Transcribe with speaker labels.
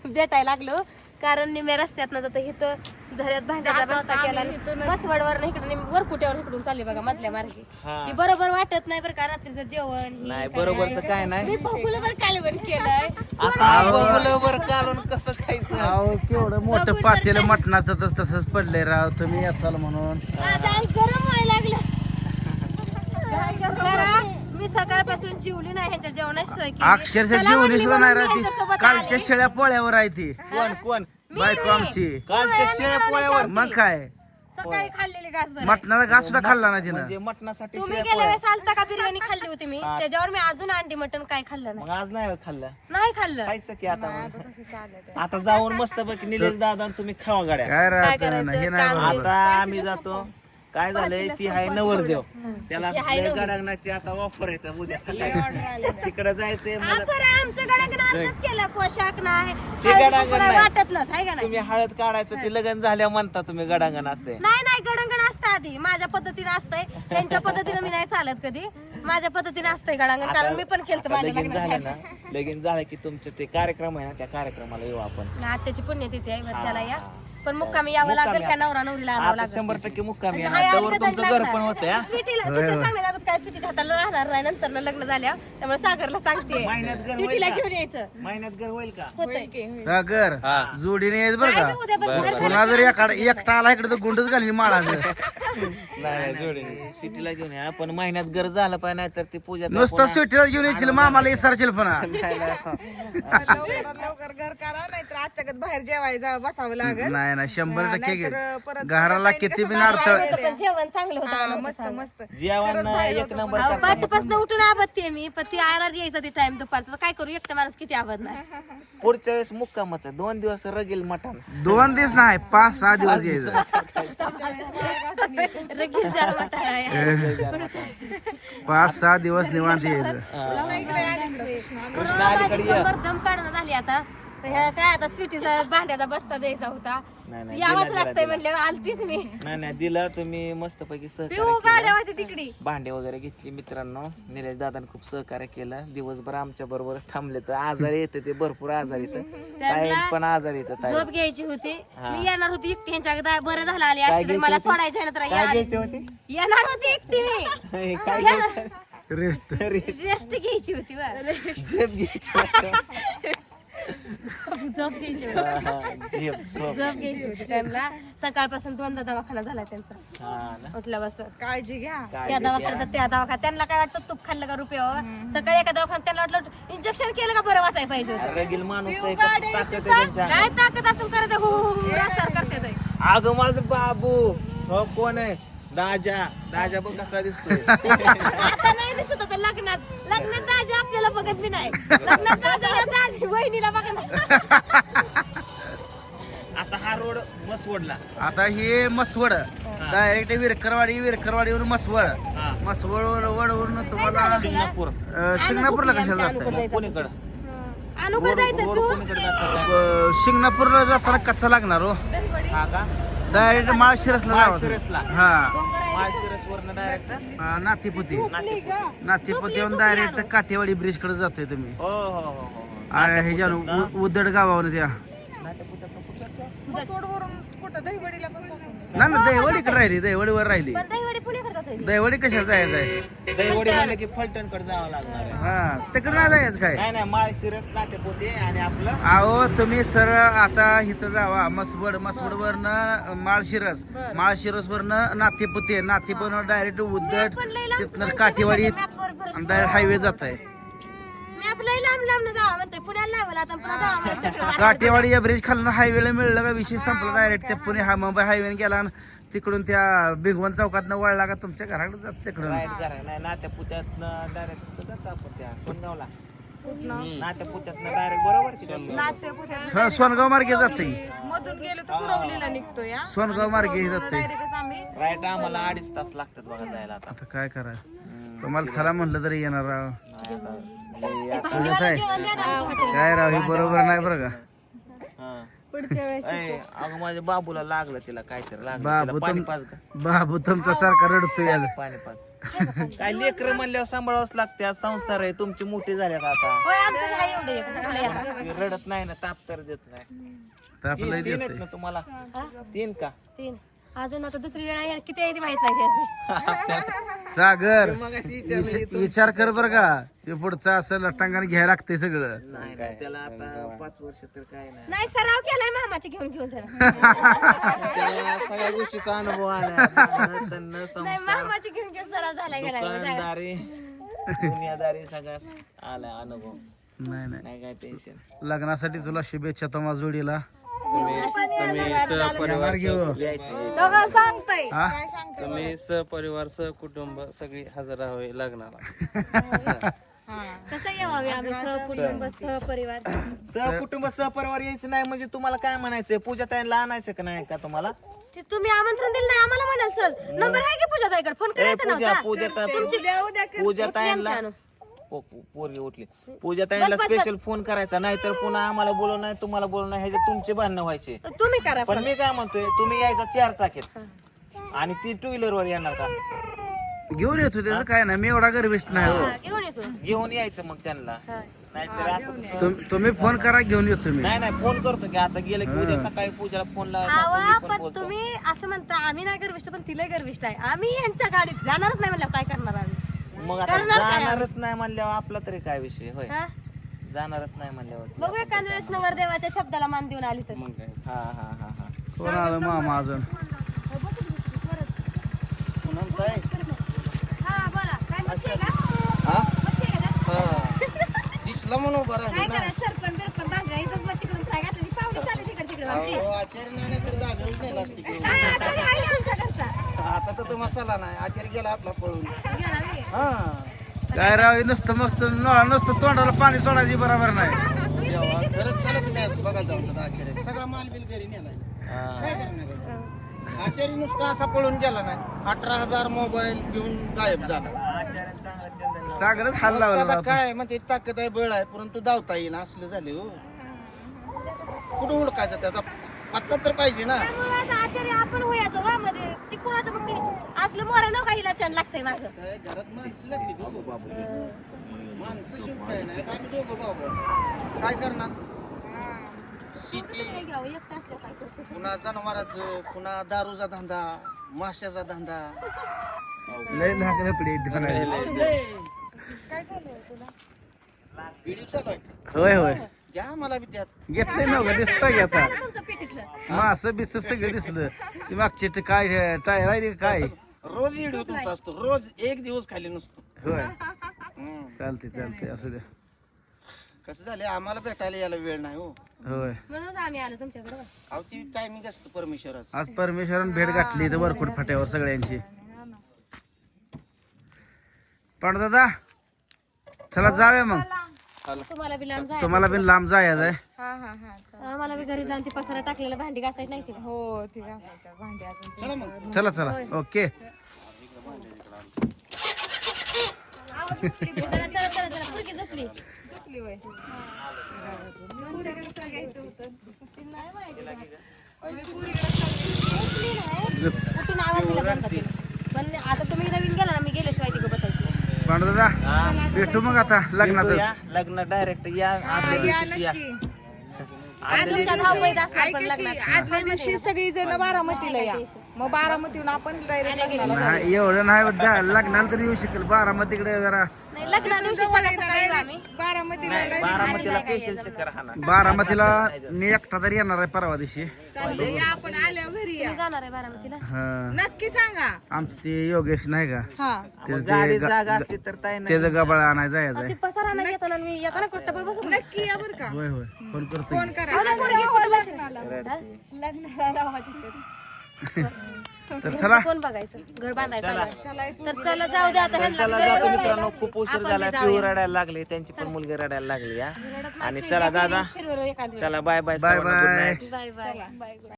Speaker 1: भेटायला लागलो कारण निम्या रस्त्यात ना जाता इथं झऱ्यात भांड्याचा बस्ता केला मसवडवर इकडे वरकुट्यावर इकडून चालली बघा मधल्या मार्गे ती बरोबर वाटत नाही बरं का रात्रीचं जेवण
Speaker 2: नाही बरोबरच काय नाही
Speaker 1: मी बघूला कालवण केलंय
Speaker 2: आता काढून कसं खायचं
Speaker 3: अहो केवढं मोठं पातेलं मटणाचं तसंच पडलंय राव तुम्ही याचाल म्हणून
Speaker 1: आता गरम व्हायला लागलं करा मी सकाळपासून जेवली नाही ह्याच्या जेवणाची सोय केली.
Speaker 3: अक्षरशः
Speaker 1: चला
Speaker 3: जेवणी
Speaker 1: म्हणली
Speaker 3: सुद्धा
Speaker 1: म्हणून
Speaker 3: नाही
Speaker 1: मी
Speaker 3: राहती
Speaker 1: ह्यांच्यासोबत
Speaker 3: कालच्या
Speaker 1: आले.
Speaker 3: शेळ्या पोळ्यावर आहे ती
Speaker 2: कोण
Speaker 3: बायको आमची
Speaker 2: कालच्या शेळ्या पोळ्यावर
Speaker 3: मग काय
Speaker 1: सकाळी खाल्लेली घासभर
Speaker 3: मटणाचा घास सुद्धा खाल्ला ना तिनं
Speaker 2: म्हणजे मटणासाठी
Speaker 1: तुम्ही
Speaker 2: शेळ्या
Speaker 1: गेल्या
Speaker 2: पोळ्या.
Speaker 1: वेळेस आलता का बिर्याणी खाल्ली होती मी त्याच्यावर मी अजून अंडी मटण काय खाल्लं
Speaker 2: मग
Speaker 1: नाही
Speaker 2: आज नाही खाल्लं
Speaker 1: नाही खाल्लं
Speaker 2: खायचं की आता जाऊन मस्त पैकी निलेश दादा आणि तुम्ही खावा गाड्या
Speaker 3: काय
Speaker 1: काय
Speaker 3: राहत
Speaker 1: करायचं?
Speaker 3: हे नाही
Speaker 1: काम
Speaker 3: बरोबर.
Speaker 2: आता आम्ही जातो काय झालंय ती आहे नवरदेव त्याला गडांगणाची आता ऑफर येतं उद्या सकाळी तिकडे जायचंय मला
Speaker 1: बरं आमचं गडांगण आजच केलं पोशाख नाही
Speaker 2: ते
Speaker 1: हळदी
Speaker 2: गडांगण
Speaker 1: कुंकू
Speaker 2: नाही.
Speaker 1: वाटत नाही हाय का नाही
Speaker 2: तुम्ही हळद काढायचं ते लग्न झाल्या म्हणता तुम्ही गडांगण असते
Speaker 1: नाही नाही गडांगण असतं आधी माझ्या पद्धतीने असतंय त्यांच्या पद्धतीने मी नाही चालत कधी माझ्या पद्धतीने असतंय गडांगण कारण मी पण केलं माझ्या
Speaker 2: लगीन झालं
Speaker 1: लग्नात
Speaker 2: ना लगीन झालं की तुमचं ते कार्यक्रम आहे ना त्या कार्यक्रमाला येऊ आपण
Speaker 1: आत्याची पुण्यतिथी आहे बरं त्याला या पण मुक्कामी यावं लागेल का नवरा नवरीला आणावं
Speaker 2: आता
Speaker 1: लागेल
Speaker 2: 100% मुक्कामी
Speaker 1: नाही,
Speaker 2: आहे
Speaker 1: आली
Speaker 2: त्यावर
Speaker 1: तर
Speaker 2: तुमचं
Speaker 1: लागणार.
Speaker 2: घर पण होतं हा?
Speaker 1: स्वीटीला सांगायला लागत काय स्वीटीच्या हाताला राहणार नाही नंतर लग्न झाल्यावर त्यामुळे सागरला सांगते
Speaker 2: महिन्यात घर होईल
Speaker 1: स्वीटीला
Speaker 2: का?
Speaker 1: घेऊन यायचं
Speaker 2: महिन्यात घर होईल का
Speaker 1: होतंय
Speaker 3: सागर
Speaker 2: हा.
Speaker 3: जोडीने यायचं बरं
Speaker 1: काय
Speaker 3: का
Speaker 1: बी उद्या बरं बाहेर
Speaker 3: पुन्हा जर एकटा आला इकडे तर गुंडच घालीन माळाचं
Speaker 2: नाही जोडी सिटीला घेऊन या पण महिन्यात घर झालं पाहिजे नाही तर ती पूजा
Speaker 3: नुसतं सुट्टीला घेऊन यायची मामाला इसरशील पण
Speaker 4: लवकर घर करा नाहीतर आजच्या बाहेर जेवायला बसावं लागेल
Speaker 3: नाही ना 100%
Speaker 4: नाहीतर परत
Speaker 3: घराला किती बी नाडत
Speaker 1: पण जेवण चांगलं होतं
Speaker 4: मस्त मस्त
Speaker 2: जेवण एक नंबर
Speaker 1: पाठपासून उठून आबदते मी पण ती आयला यायचं ते टाइम दुपारचं काय करू एकटा माणूस किती आबद नाही
Speaker 2: पुढच्या वेळेस मुक्कामच आहे 2 दिवस रगेल मटण
Speaker 3: 2 दिवस नाही 5-6 दिवस यायचं
Speaker 1: रगील चार वाटा आहे
Speaker 3: 5-6 दिवस निवांत यायचं
Speaker 2: कृष्णा अलीकडे ये.
Speaker 1: दम काढणं झाली आता तर ह्या काय आता स्वीटीचा भांड्याचा बस्ता द्यायचा होता
Speaker 2: नाही, नाही,
Speaker 1: यावंच
Speaker 2: दिला,
Speaker 1: लागतंय
Speaker 2: दिला.
Speaker 1: म्हणले आलतीच मी
Speaker 2: नाही दिला तुम्ही मस्त पैकी
Speaker 1: पिऊ
Speaker 2: सहकार्य
Speaker 1: गाड्या
Speaker 2: केलं.
Speaker 1: होती तिकडे
Speaker 2: भांडे वगैरे घेतली मित्रांनो निलेश दादाने खूप सहकार्य केलं दिवसभर आमच्या बरोबरच थांबले तर आजारी येतं ते भरपूर आजार येतं ताई पण आजारी येतं ताई
Speaker 1: झोप घ्यायची होती मी येणार होती एकटी ह्यांच्या बरं झालं आली
Speaker 2: काय
Speaker 1: असते तरी मला
Speaker 2: घ्यायची होती?
Speaker 1: सोडायच्या ना तर
Speaker 2: काय घ्यायची होती
Speaker 1: येणार होती एकटी मी
Speaker 2: काय घ्यायचं
Speaker 3: रेस्ट
Speaker 1: रेस्ट घ्यायची होती
Speaker 2: झेप घ्यायची होती.
Speaker 1: झोप घ्यायची होती
Speaker 2: हा, झेप झोप
Speaker 1: झोप घ्यायची होती त्यांना सकाळपासून 2दा दवाखाना झाला त्यांचा
Speaker 2: हा ना
Speaker 1: उठल्यापासून
Speaker 4: काळजी घ्या
Speaker 2: काय
Speaker 1: त्या दवाखान्यात त्या दवाखान्यात त्यांना काय वाटतं तूप खाल्लं का रुपयावर सकाळी एका दवाखान्यात त्यांना वाटलं इंजेक्शन केलं का बरं वाटायला पाहिजे होतं.
Speaker 2: रगील माणूस आहे कसं ताकद आहे त्यांच्या
Speaker 1: काय ताकद असून करत हो हो हो रस्त्यावर करते ते.
Speaker 2: अगं माझं बाबू हो कोण आहे दाजा बघ कसा दिसतोय
Speaker 1: आता नाही दिसत होतं लग्नात दाजी आपल्याला बघत मी नाही लग्नात दाजी वहिनीला बघणार
Speaker 2: आता हा रोड मस्त ओढला
Speaker 3: आता हे मसवड डायरेक्ट विरकरवाडीवरून मसवड
Speaker 2: हा.
Speaker 3: मसवडवरून तुम्हाला
Speaker 2: शिंगणापूर
Speaker 3: शिंगणापूरला कशाला जाताय
Speaker 2: कोणीकडं
Speaker 1: अनुकूल जायचं
Speaker 2: रोड
Speaker 1: तू
Speaker 2: कोणीकडे जातात
Speaker 3: शिंगणापूरला जाताना कच्चा लागणार हो
Speaker 2: हा का
Speaker 3: डायरेक्ट माळशिरसला
Speaker 2: माळशिरसला.
Speaker 3: जावं हा
Speaker 2: माळशिरस वरनं डायरेक्ट
Speaker 3: नाथीपुती नाथीपुतीहून डायरेक्ट काठेवाडी ब्रिज कडे जातोय तुम्ही
Speaker 2: हो हो हो हो
Speaker 3: आणि ह्याच्या उदड गावावर त्या
Speaker 4: सोडवरून कुठं दहीवडीला पण जातो
Speaker 3: ना ना दहीवडीकडे राहिली दहीवडीवर राहिली
Speaker 1: पण दहीवडी पुणे करतात
Speaker 3: दहीवडी कशा जायचं आहे
Speaker 2: दहीवडी म्हणलं की फलटण कडे जावं लागणार आहे
Speaker 3: हा तिकडे नाही जायचं काय
Speaker 2: नाही नाही माळशिरस नातेपोते आणि आपलं
Speaker 3: अहो तुम्ही सरळ आता इथं जावा मसवड वरनं माळशिरस वरनं नाथीपुती नाथीपुतीवर डायरेक्ट उदड तिथनं काठेवाडी डायरेक्ट हायवे जात आहे
Speaker 1: मी आपलं लांब जावं म्हणते पुण्याला लावलं आता पुन्हा जावं म्हणते तिकडं.
Speaker 3: काठेवाडी या ब्रिज खालनं हायवेला मिळलं का विषय संपला डायरेक्ट त्या पुणे हा मुंबई हायवे गेला आणि तिकडून त्या भिगवण चौकातनं वळला का तुमच्या घराकडे जात तिकडून
Speaker 2: राईट करा नाही नात्यापुत्यातनं डायरेक्ट जातो आपण त्या सोनगावला नात्यापुत्यातनं डायरेक्ट बरोबर की त्या?
Speaker 4: नाते
Speaker 3: हा सोनगाव मार्गे जाते
Speaker 4: मधून गेलो तर कुरवलीला निघतो या
Speaker 3: सोनगाव मार्गे जाते
Speaker 4: डायरेक्टच आम्ही
Speaker 2: राईट आम्हाला 2.5 तास लागतात बघा जायला आता
Speaker 3: आता काय करा तुम्हाला चला म्हणलं तरी येणार राव
Speaker 2: लय
Speaker 1: भांडीवाला जेवण द्या ना हॉटेल.
Speaker 3: काय राव हे बरोबर नाही बरं का
Speaker 2: हा.
Speaker 1: पुढच्या वेळेस
Speaker 2: अगं माझ्या बाबूला लागलं तिला काहीतरी लागलं
Speaker 3: बाबू
Speaker 2: तिला पाणी पाच का
Speaker 3: बाबू तुमचा सारखा रडतोय आज.
Speaker 2: पाणी पाच काय लेकर म्हणल्यावर सांभाळावंच लागते आज संसार आहे तुमची मोठी झाल्या का आता
Speaker 1: होय आमचं नाही एवढे कुठलं येतं.
Speaker 2: ती रडत नाही ना ताप तर देत नाही
Speaker 3: तर आपलं
Speaker 2: तीन आहेत ना तुम्हाला तीन का
Speaker 1: 3 अजून आता दुसरी वेळ आहे किती आहे ती माहित नाही असे
Speaker 3: सागर
Speaker 2: मगाशी
Speaker 3: विचार कर बर का ते पुढचं असं लटांगण घ्यायला लागतंय सगळं.
Speaker 2: नाही नाही, त्याला आता 5 वर्ष तर काय नाही
Speaker 1: नाही सराव केलाय मामाचे घेऊन घेऊन त्याला
Speaker 2: त्याला सगळ्या गोष्टीचा अनुभव आला तन्न
Speaker 1: नाही
Speaker 2: संसार
Speaker 1: मामाचे घेऊन घेऊन सराव झालाय गेलाय
Speaker 2: दुकानदारी दुनियादारी सगळ्याच आला अनुभव
Speaker 3: नाही नाही
Speaker 2: नाही काय टेन्शन
Speaker 3: लग्नासाठी तुला शुभेच्छा तुम्हा जोडीला.
Speaker 5: सहपरिवार
Speaker 2: यायचं
Speaker 4: सांगताय
Speaker 3: हा?
Speaker 5: तुम्ही सहपरिवार सहकुटुंब सगळी हजर राहावे लग्नाला.
Speaker 1: कसं यावे आम्ही सहकुटुंब सहपरिवार
Speaker 2: सहकुटुंब सहपरिवार यायचं नाही म्हणजे तुम्हाला काय म्हणायचंय पूजा ताईला आणायचं का नाही का तुम्हाला
Speaker 1: ते तुम्ही आमंत्रण दिलं नाही आम्हाला म्हणाल सर नंबर आहे की पूजा ताईकडे फोन करायचा नव्हता
Speaker 2: पूजा ताईला पोरगी उठली पूजा ताईला स्पेशल फोन करायचा नाहीतर पुन्हा आम्हाला बोलवलं नाही तुम्हाला बोलवलं नाही ह्याचे तुमचे भांडणं व्हायचे.
Speaker 1: तुम्ही करा
Speaker 2: पण मी काय म्हणतोय तुम्ही यायचा 4 चाकीत आणि ती 2 व्हीलर वर येणार का
Speaker 3: घेऊन येतो त्याचं काय नाही मी एवढा गर्विष्ठ नाही हो.
Speaker 1: हा, घेऊन येतो
Speaker 2: घेऊन यायचं मग त्यांना
Speaker 1: हा.
Speaker 2: नाहीतर असं कसं-
Speaker 3: तुम्ही फोन करा घेऊन येतो मी.
Speaker 2: नाही नाही फोन करतो की आता गेलं की उद्या सकाळी पूजाला फोन लावायचा
Speaker 1: आवा
Speaker 2: आपण
Speaker 1: पण
Speaker 2: बोलतो.
Speaker 1: तुम्ही असं म्हणता आम्ही नाही गर्विष्ट पण तिला गर्विष्ट आहे आम्ही यांच्या गाडीत जाणारच नाही म्हणलं काय करणार आम्ही
Speaker 2: मग आता
Speaker 1: करणार काय
Speaker 2: जाणारच नाही म्हणल्यावर आपला तरी काय विषय होय
Speaker 1: हा?
Speaker 2: जाणारच नाही म्हणल्यावर
Speaker 1: बघू एखाद वेळेस नवरदेवाच्या शब्दाला मान देऊन आली तर
Speaker 5: मग काय
Speaker 2: हा हा हा हा
Speaker 3: कोण आलं मामा अजून
Speaker 2: पुनम ताई
Speaker 1: हा बोला काय मच्छी आहे का
Speaker 2: हा
Speaker 1: मच्छी आहे का
Speaker 2: दिसला म्हणून बरं
Speaker 1: काय करायचं सरपण बिरपण भांडरा इथंच मच्छी करून फ्राय घातली पाहुणे चालली तिकडे तिकडे आमची
Speaker 2: आचार्य नाही तर जागेच नाही लास्ट
Speaker 1: काय आता मी आहे आमचा घरचा
Speaker 2: आता तर तो मसाला नाही आचार्य गेला आपला पळून
Speaker 1: गेला मी.
Speaker 2: हा
Speaker 3: काय राव नुसतं मस्त नुसतं तोंडाला पाणी सोडायची बरोबर नाही.
Speaker 2: खरंच चालत नाही बघा जाऊन आचार्य सगळा माल बिल घरी नेलाय काय करणार आचार्य नुसता असा पळून गेला नाही 18,000 मोबाईल घेऊन गायब झाला
Speaker 3: सागरच हाल लावला
Speaker 2: आता काय म्हणजे ताकद आहे बळ आहे परंतु धावता येईन असले झाले हो कुठं ओळखायचं त्याचा पत्ता तर पाहिजे ना
Speaker 1: त्यामुळे आता आचार्य आपण होयाचं वा मध्ये ती कुणाचं मग ते असलं मोरा नका हिला छान लागतंय माझं
Speaker 2: घरात माणसं लागली दोघं बाबू माणसं शिव काय नाही आता आम्ही दोघं बाबू काय करणार शेती
Speaker 1: काय घ्यावं एकटं असलं काय करू
Speaker 2: पुन्हा जनावरांचं पुन्हा दारूचा धंदा माशाचा धंदा
Speaker 3: लय धाक धपडी
Speaker 2: व्हिडिओ चालू आहे
Speaker 3: होय होय
Speaker 2: घ्या मला बी त्यात
Speaker 3: घेतलंय ना उगा दिसतं की आता
Speaker 1: तुमचं पिठीतलं
Speaker 3: मास बिस सगळं दिसलं ती मागची ते काय टायर आहे ते काय
Speaker 2: रोज व्हिडिओ तुमचा असतो रोज एक दिवस खाली नसतो
Speaker 3: होय चालते चालते असू द्या
Speaker 2: कसं झालं आम्हाला भेटायला यायला वेळ नाही हो
Speaker 3: होय
Speaker 1: म्हणून आम्ही आलो तुमच्याकडे
Speaker 2: अहो ती टायमिंग असतं परमेश्वराचं
Speaker 3: आज परमेश्वरानं भेट गाठली इथं वरकुट फाट्यावर सगळ्यांची. पांडुदादा चला जाऊया मग
Speaker 1: तुम्हाला बी लांब जायचं
Speaker 3: तुम्हाला बी लांब जायचं आहे.
Speaker 4: हा हा हा
Speaker 1: आम्हाला बी घरी जाऊन ती पसारा टाकलेला भांडी घासायची नाही तिला
Speaker 4: हो ती घासायच्या भांडी अजून
Speaker 2: चला मग
Speaker 3: चला चला ओके
Speaker 1: चला चला चला चला पुरकी झोपली
Speaker 4: झोपली वय
Speaker 1: उठून आवाज दिला बंद केला. पण आता तुम्ही नवीन गेला ना मी गेल्याशिवाय तिकडे बसायची
Speaker 3: पांडुदादा भेटू मग आता लग्नातच.
Speaker 2: लग्न डायरेक्ट या आदल्या दिवशी या
Speaker 1: तुमचा धावपळीत असणार पण लग्नात
Speaker 4: आदल्या दिवशी सगळी जण बारामतीला या मग बारामतीहून आपण डायरेक्ट
Speaker 3: नाही एवढं नाही लग्नाला तरी येऊ शकेल बारामतीकडे जरा
Speaker 1: नाही लग्ना दिवशी सगळं सकाळी येऊ आम्ही
Speaker 4: बारामतीला
Speaker 2: बारामतीला स्पेशल चक्कर हा ना
Speaker 3: बारामतीला मी एकटा तरी येणार आहे परवा दिवशी.
Speaker 4: चाललंय या आपण आल्यावर घरी या
Speaker 1: तुम्ही जाणार आहे बारामतीला
Speaker 3: हा
Speaker 4: नक्की सांगा
Speaker 3: आमचं ते योगेश नाही का
Speaker 4: हा
Speaker 3: त्याचं
Speaker 2: गाडी
Speaker 3: ते
Speaker 2: जागा असली तर ताई नाही
Speaker 3: त्याचं गबाळ आणायला जायचं आहे.
Speaker 1: ती पसारा नाही घेताना मी येताना कुठं पण बसू
Speaker 4: नक्की या बरं का
Speaker 3: होय होय फोन करतो
Speaker 4: फोन
Speaker 3: की.
Speaker 4: करा
Speaker 3: तर चला
Speaker 1: कोण बघायचं घर बांधायचं तर चला जाऊ दे आता ह्यांना
Speaker 2: चला
Speaker 1: बी
Speaker 2: जातो
Speaker 1: वेळ
Speaker 2: मित्रांनो
Speaker 1: आहे.
Speaker 2: खूप उशीर
Speaker 1: आपण बी
Speaker 2: झाला
Speaker 1: जाऊया.
Speaker 2: पिऊ रडायला लागली त्यांची पण मुलगी रडायला लागली या
Speaker 1: रडत नाही,
Speaker 2: आणि
Speaker 1: फिर
Speaker 2: चला
Speaker 1: द्या,
Speaker 2: दादा
Speaker 1: फिरवर एखाद वेळेस.
Speaker 2: चला bye bye
Speaker 3: bye
Speaker 2: good
Speaker 3: bye
Speaker 2: night
Speaker 1: bye bye